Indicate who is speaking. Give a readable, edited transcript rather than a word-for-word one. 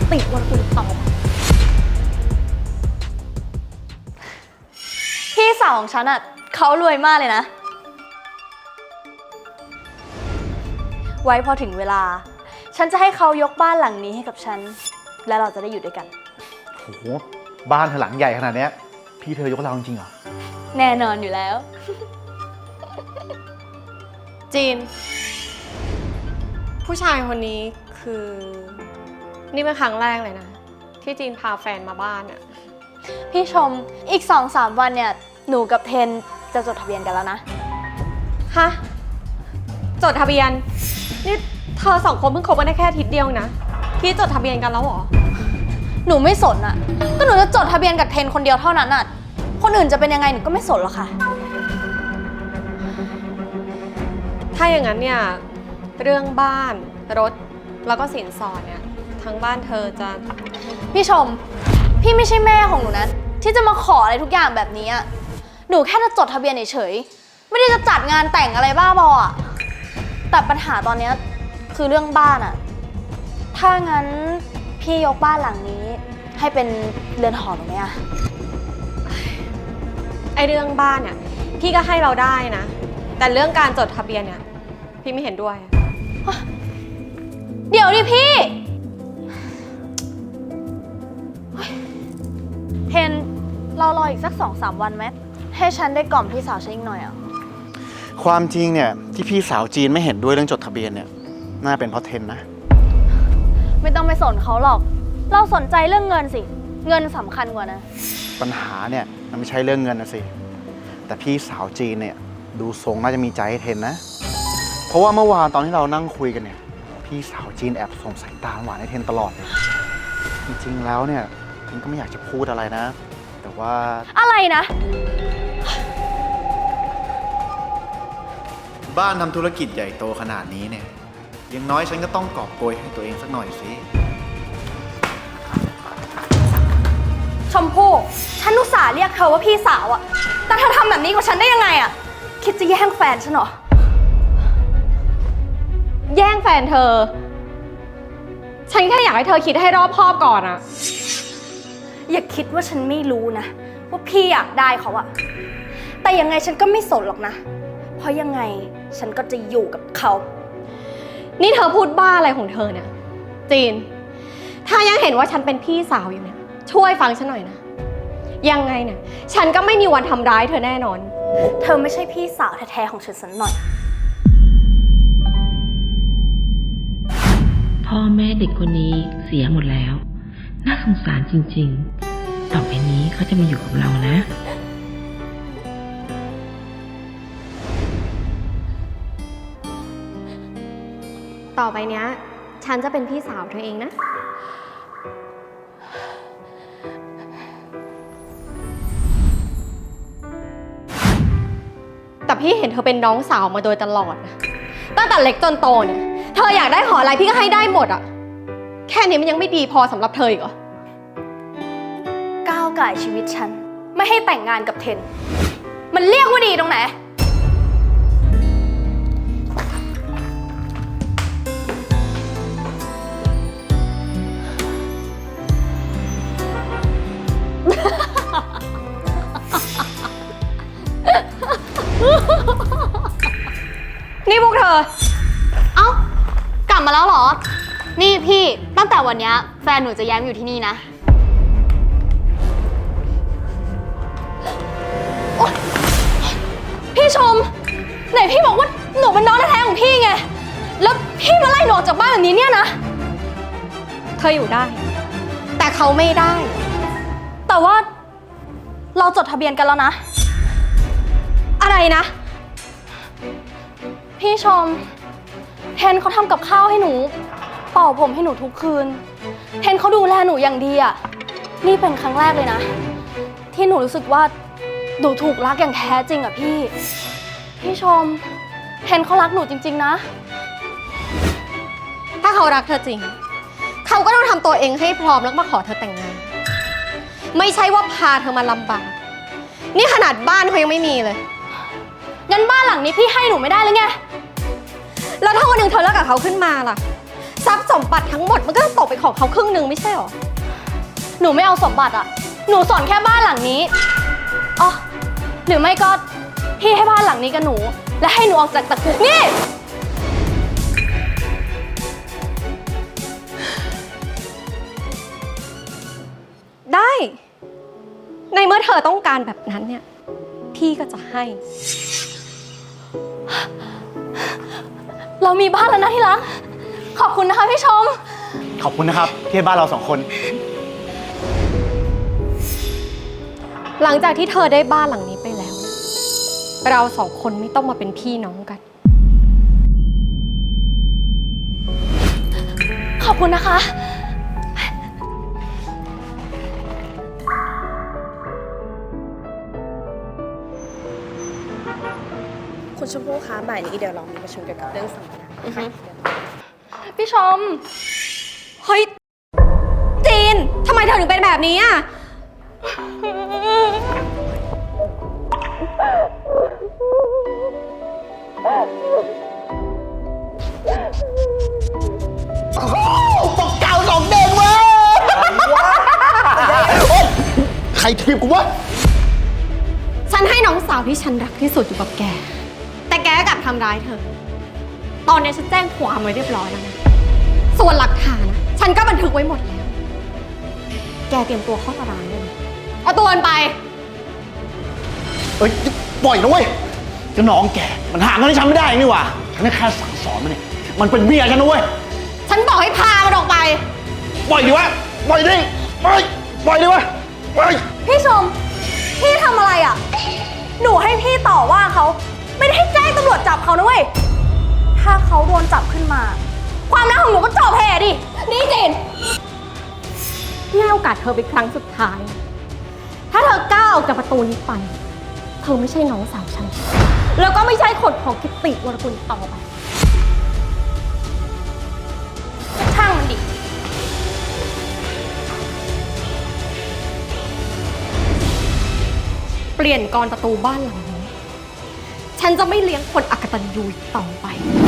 Speaker 1: ติวันตุนตอบพี่สาวของฉันอ่ะเขารวยมากเลยนะ ไว้พอถึงเวลาฉันจะให้เขายกบ้านหลังนี้ให้กับฉันและเราจะได้อยู่ด้วยกัน
Speaker 2: โหบ้านเธอหลังใหญ่ขนาดนี้พี่เธอยกเราจริงเหรอ
Speaker 1: แน่นอนอยู่แล้ว
Speaker 3: จีนผู้ชายคนนี้คือนี่เป็นครั้งแรกเลยนะที่จีนพาแฟนมาบ้านอะ
Speaker 1: พี่ชมอีก 2-3 วันเนี่ยหนูกับเทนจะจดทะเบียนกันแล้วนะ
Speaker 3: ฮะจดทะเบียนนี่เธอ2 คนเพิ่งคบกันได้แค่อาทิตย์เดียวนะพี่จดทะเบียนกันแล้วเหรอ
Speaker 1: หนูไม่สนอะก็หนูจะจดทะเบียนกับเทนคนเดียวเท่านั้นอะคนอื่นจะเป็นยังไงหนูก็ไม่สนหรอกค่ะ
Speaker 3: ถ้าอย่างนั้นเนี่ยเรื่องบ้านรถแล้วก็สินสอดเนี่ยทั้งบ้านเธอจะ
Speaker 1: พี่ชมพี่ไม่ใช่แม่ของหนูนะที่จะมาขออะไรทุกอย่างแบบนี้อะหนูแค่จะจดทะเบียนเฉยๆไม่ได้จะจัดงานแต่งอะไรบ้าบออะแต่ปัญหาตอนนี้คือเรื่องบ้านอะถ้างั้นพี่ยกบ้านหลังนี้ให้เป็นเรือนหอหนูไหมอะ
Speaker 3: ไอเรื่องบ้านเนี่ยพี่ก็ให้เราได้นะแต่เรื่องการจดทะเบียนเนี่ยพี่ไม่เห็นด้วย
Speaker 1: เดี๋ยวดิพี่เทนเรารออีกสัก 2-3 วันไหมให้ฉันได้กล่อมพี่สาวฉันอีกหน่อยอ่ะ
Speaker 2: ความจริงเนี่ยที่พี่สาวจีนไม่เห็นด้วยเรื่องจดทะเบียนเนี่ยน่าเป็นเพราะเทนนะ
Speaker 1: ไม่ต้องไปสนเขาหรอกเราสนใจเรื่องเงินสิเงินสำคัญกว่านะ
Speaker 2: ปัญหาเนี่ยมันไม่ใช่เรื่องเงินนะสิแต่พี่สาวจีนเนี่ยดูทรงน่าจะมีใจให้เทนนะเพราะว่าเมื่อวานตอนที่เรานั่งคุยกันเนี่ยพี่สาวจีนแอบส่งสายตาหวานให้เทนตลอดเลยจริงๆแล้วเนี่ยเทนก็ไม่อยากจะพูดอะไรนะแต่ว่า
Speaker 1: อะไรนะ
Speaker 2: บ้านทำธุรกิจใหญ่โตขนาดนี้เนี่ยอย่างน้อยฉันก็ต้องกอบโกยให้ตัวเองสักหน่อยสิ
Speaker 1: ชมพู่ฉันอุตส่าห์เรียกเธอว่าพี่สาวอะแต่เธอทำแบบนี้กับฉันได้ยังไงอะคิดจะแย่งแฟนฉันเหรอ
Speaker 3: แย่งแฟนเธอฉันแค่อยากให้เธอคิดให้รอบคอบก่อนอะ
Speaker 1: อย่าคิดว่าฉันไม่รู้นะว่าพี่อยากได้เขาอะแต่ยังไงฉันก็ไม่สนหรอกนะเพราะยังไงฉันก็จะอยู่กับเขา
Speaker 3: นี่เธอพูดบ้าอะไรของเธอเนี่ยจีนถ้ายังเห็นว่าฉันเป็นพี่สาวอยู่เนี่ยช่วยฟังฉันหน่อยนะยังไงเนี่ยฉันก็ไม่มีวันทำร้ายเธอแน่นอน
Speaker 1: เธอไม่ใช่พี่สาวแท้ๆของฉันสักหน่อย
Speaker 4: พ่อแม่เด็กคนนี้เสียหมดแล้วน่าสงสารจริงๆต่อไปนี้เขาจะมาอยู่กับเรานะ
Speaker 3: ต่อไปเนี้ยฉันจะเป็นพี่สาวเธอเองนะแต่พี่เห็นเธอเป็นน้องสาวมาโดยตลอดนะตั้งแต่เล็กจนโตเนี่ยเธออยากได้ขออะไรพี่ก็ให้ได้หมดอะแค่นี้มันยังไม่ดีพอสำหรับเธออีกเหรอ
Speaker 1: ก้าวก่ายชีวิตฉันไม่ให้แต่งงานกับเทนมันเรียกว่าดีตรงไหน
Speaker 3: นี่พวกเธอ
Speaker 1: เอ้ากลับมาแล้วเหรอนี่พี่ตั้งแต่วันนี้แฟนหนูจะย้ายมาอยู่ที่นี่นะพี่ชมไหนพี่บอกว่าหนูเป็นน้องแท้ๆของพี่ไงแล้วพี่มาไล่หนูออกจากบ้านแบบนี้เนี่ยนะ
Speaker 3: เธออยู่ได้แต่เขาไม่ได้
Speaker 1: แต่ว่าเราจดทะเบียนกันแล้วนะ
Speaker 3: อะไรนะ
Speaker 1: พี่ชมเทนเขาทำกับข้าวให้หนูเป่าผมให้หนูทุกคืนเทนเขาดูแลหนูอย่างดีอ่ะนี่เป็นครั้งแรกเลยนะที่หนูรู้สึกว่าหนูถูกรักอย่างแท้จริงอ่ะพี่ชมเทนเขารักหนูจริงๆนะ
Speaker 3: ถ้าเขารักเธอจริงเขาก็ต้องทำตัวเองให้พร้อมแล้วมาขอเธอแต่งงานไม่ใช่ว่าพาเธอมาลำบากนี่ขนาดบ้านเขายังไม่มีเลย
Speaker 1: งั้นบ้านหลังนี้พี่ให้หนูไม่ได้เลยไง
Speaker 3: แล้วถ้าวันหนึ่งเธอเลิกกับเขาขึ้นมาล่ะทรัพย์สมบัติทั้งหมดมันก็ต้องตกเป็นของเขาครึ่งหนึ่งไม่ใช่หรอ
Speaker 1: หนูไม่เอาสมบัติอะหนูสนแค่บ้านหลังนี้อ๋อหรือไม่ก็พี่ให้บ้านหลังนี้กับหนู และให้หนูออกจากตะกุกนี่
Speaker 3: ได้ ในเมื่อเธอต้องการแบบนั้นเนี่ย พี่ก็จะให้
Speaker 1: เรามีบ้านแล้วนะที่รัก ขอบคุณนะคะพี่ชม
Speaker 2: ขอบคุณนะครับที่ให้บ้านเราสองคน
Speaker 3: หลังจากที่เธอได้บ้านหลังนี้ไปแล้วเนี่ยเราสองคนไม่ต้องมาเป็นพี่น้องกัน
Speaker 1: ขอบคุณนะคะ
Speaker 5: คุณชมพู่คะบ่ายนี้เดี๋ยวเรามีประชุมเกี่ยวกับเรื่องสัมมนาค่ะ
Speaker 1: พี่ชม
Speaker 3: เฮ้ย จีน ทำไมเธอถึงเป็นแบบนี้อ่ะ
Speaker 2: ตกเก่าสองเด้งเว้ยใครทีบกูวะ
Speaker 3: ฉันให้น้องสาวที่ฉันรักที่สุดอยู่กับแก แต่แกกลับทำร้ายเธอ ตอนนี้ฉันแจ้งความไว้เรียบร้อยแล้วนะ ส่วนหลักฐานนะฉันก็บันทึกไว้หมดแล้ว แกเตรียมตัวเข้าตารางได้เลยเอาตัวมันไป
Speaker 2: เอ้ยปล่อยนะเว้ยเจ้าน้องแก มันหาเงินให้ฉันไม่ได้นี่หว่าฉันแค่สั่งสอนมันเนี่ย มันเป็นเมียฉันนะเว้ย
Speaker 3: ฉันบอกให้พามันออกไป
Speaker 2: ปล่อยดิวะ ปล่อยดิปล่อยดิวะปล่อย
Speaker 1: พี่ชม พี่ทำอะไรอ่ะ หนูให้พี่ต่อว่าเขา ไม่ได้ให้แจ้งตำรวจจับเขานะเว้ย ถ้าเขาโดนจับขึ้นมา ความรักของหนูก็จบแพ้ดิ
Speaker 3: นี่เจนพี่ให้โอกาสเธอเป็นครั้งสุดท้าย ถ้าเธอก้าวออกจากประตูนี้ไป เธอไม่ใช่น้องสาวฉัน แล้วก็ไม่ใช่คนของกิตติวรกุลต่อไป
Speaker 1: ช่างมันดิ
Speaker 3: เปลี่ยนกรประตูบ้านหลังนี้ ฉันจะไม่เลี้ยงคนอกตัญญูอีกต่อไป